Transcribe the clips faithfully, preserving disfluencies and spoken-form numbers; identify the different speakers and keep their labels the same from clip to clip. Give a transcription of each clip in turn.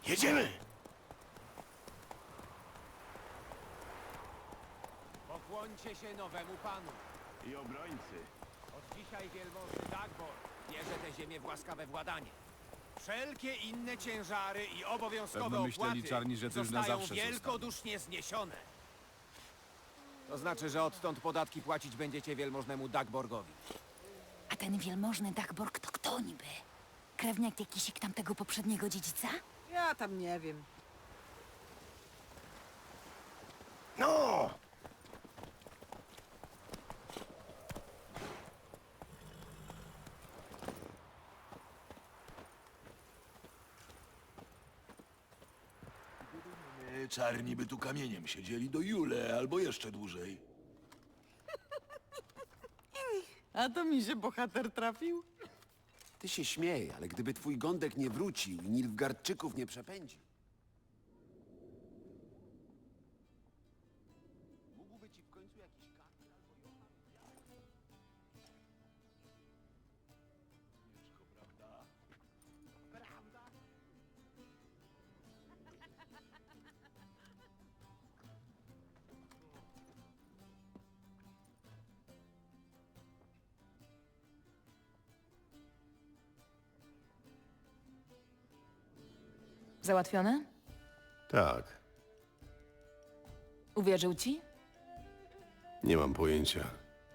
Speaker 1: Jedziemy!
Speaker 2: Pokłońcie się nowemu panu.
Speaker 1: I obrońcy.
Speaker 2: Od dzisiaj wielmożny Dagbor bierze tę ziemię w łaskawe władanie. Wszelkie inne ciężary i obowiązkowe
Speaker 3: Pewno myśleli
Speaker 2: opłaty
Speaker 3: czarni, że to już na
Speaker 2: zostają
Speaker 3: zawsze
Speaker 2: wielkodusznie zniesione. To znaczy, że odtąd podatki płacić będziecie wielmożnemu Dagborgowi.
Speaker 4: A ten wielmożny Dagborg to kto niby? Krewniak jakiś tamtego poprzedniego dziedzica?
Speaker 5: Ja tam nie wiem.
Speaker 1: No!
Speaker 6: E, Czarni by tu kamieniem siedzieli do Jule albo jeszcze dłużej.
Speaker 5: A to mi się bohater trafił?
Speaker 7: Ty się śmiej, ale gdyby twój gądek nie wrócił i Nilfgaardczyków nie przepędził. Mógłby ci w końcu jakiś kartel albo
Speaker 6: Ciężko, prawda?
Speaker 4: Załatwione?
Speaker 8: Tak,
Speaker 4: Uwierzył ci?
Speaker 8: nie mam pojęcia.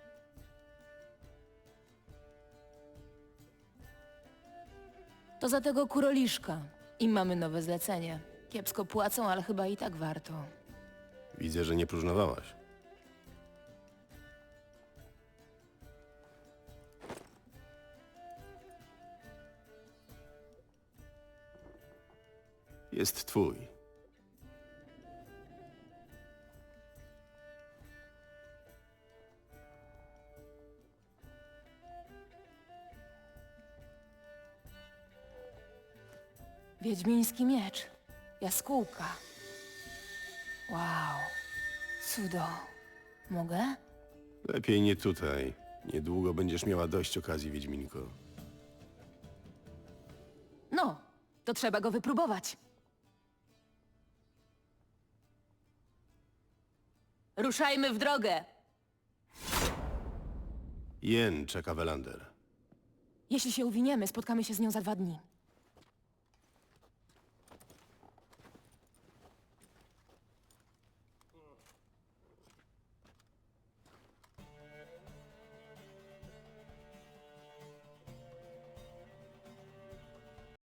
Speaker 4: To za tego kuroliszka. I mamy nowe zlecenie. Kiepsko płacą, ale chyba i tak warto.
Speaker 8: Widzę, że nie próżnowałaś. Jest twój.
Speaker 4: Wiedźmiński miecz. Jaskółka. Wow. Cudo. Mogę?
Speaker 8: Lepiej nie tutaj. Niedługo będziesz miała dość okazji, Wiedźminko.
Speaker 4: No, to trzeba go wypróbować. Ruszajmy w drogę!
Speaker 8: Jen czeka Welander.
Speaker 4: Jeśli się uwiniemy, spotkamy się z nią za dwa dni.